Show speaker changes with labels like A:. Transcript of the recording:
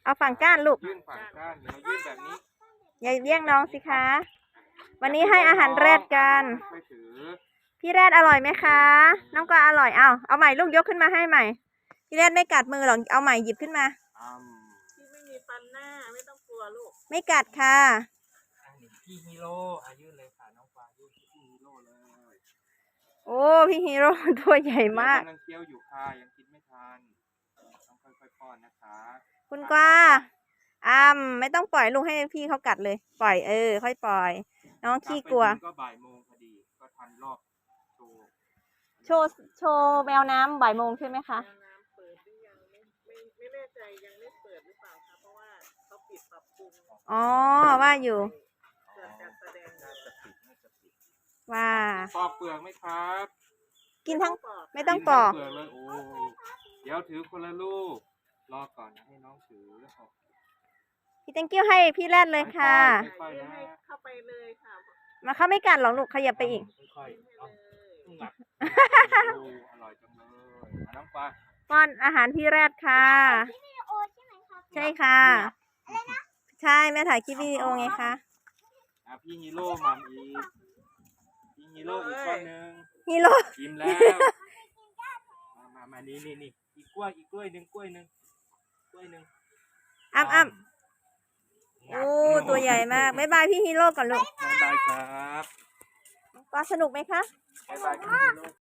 A: เอาฝั่งก้านลูก
B: ยื่นฝั่งก้านเรายื่นแบบนี้
A: อย่าเลี้ยงน้องสิคะ วันนี้ให้อาหารแรดกัน
B: ค่อยถือ
A: พี่แรดอร่อยไหมคะ น้องกวางอร่อยเอาใหม่ลูกยกขึ้นมาให้ใหม่ พี่แรดไม่กัดมือหรอกเอาใหม่หยิบขึ้นมา
C: ที่ไม่มีฟันหน้าไม่ต้องกลัวลูก
A: ไม่กัดค่ะ
B: พี่ฮีโร่ยื่นเลยค่ะน้องกวางยื่นพี่ฮีโร่เลย
A: โอ้พี่ฮีโร่ ตัวใหญ่มาก
B: กำลังเคี้ยวอยู่ค่ะยังกินไม่ทันต้องค่อยๆป้อนนะคะ
A: คุณกวางไม่ต้องปล่อยลูกให้พี่เขากัดเลย ปล่อยค่อยปล่อย น้องขี้กลัว
B: ก็บ่ายโมงพอดีก็ทันรอบโชว์
A: โชว์แมวน้ำบ่ายโมงใช่ไหมคะ
C: น้ำเปิดหรือยังไม่แน่ใจยังไม่เปิดหรือเปล่าคะเพราะว่าเขาปิดปรับปรุง
A: อ๋อว่าอยู่
C: เกิดการแสดง
B: น่าจะปิด
A: ว่า
B: ปอกเปลือกไหมครับ
A: กินทั้ง
C: ปอก
A: ไม่ต้องปอก
B: กินทั้งเปลือกเลยโอ้เดี๋ยวถือคนละลูกรอก่อนนะให้น้องถือ
A: พี่ thank you ให้พี่แรดเลยค่ะ
B: ค่อยๆนะ
C: ให้เข้าไปเลยค่ะ
A: มาเขาไม่กัดหรอกลูกขยับไปอีก
B: ค่อยๆเอา
C: เลย
B: หนักโอ้อร่อยจังเลยน้ำปลา
A: ป้อนอาหารพี่แรดค่ะ ใช่ค่ะ ใช่แม่ถ่ายคลิปวิดีโอไงคะ
B: พี่ฮีโร่มัมอีกพี่ฮีโร่อีกก้อนหนึ่ง
A: ฮีโร่
B: อิ่มแล้วมานี่อีกกล้วยหนึ่ง
A: อ้ำโอ้ตัวใหญ่มากบ๊ายบายพี่ฮีโร่ก่อนลูก
B: บ๊ายบายครับ
A: ว่าสนุกไหมคะ
B: บ๊ายบายพี่ฮีโร่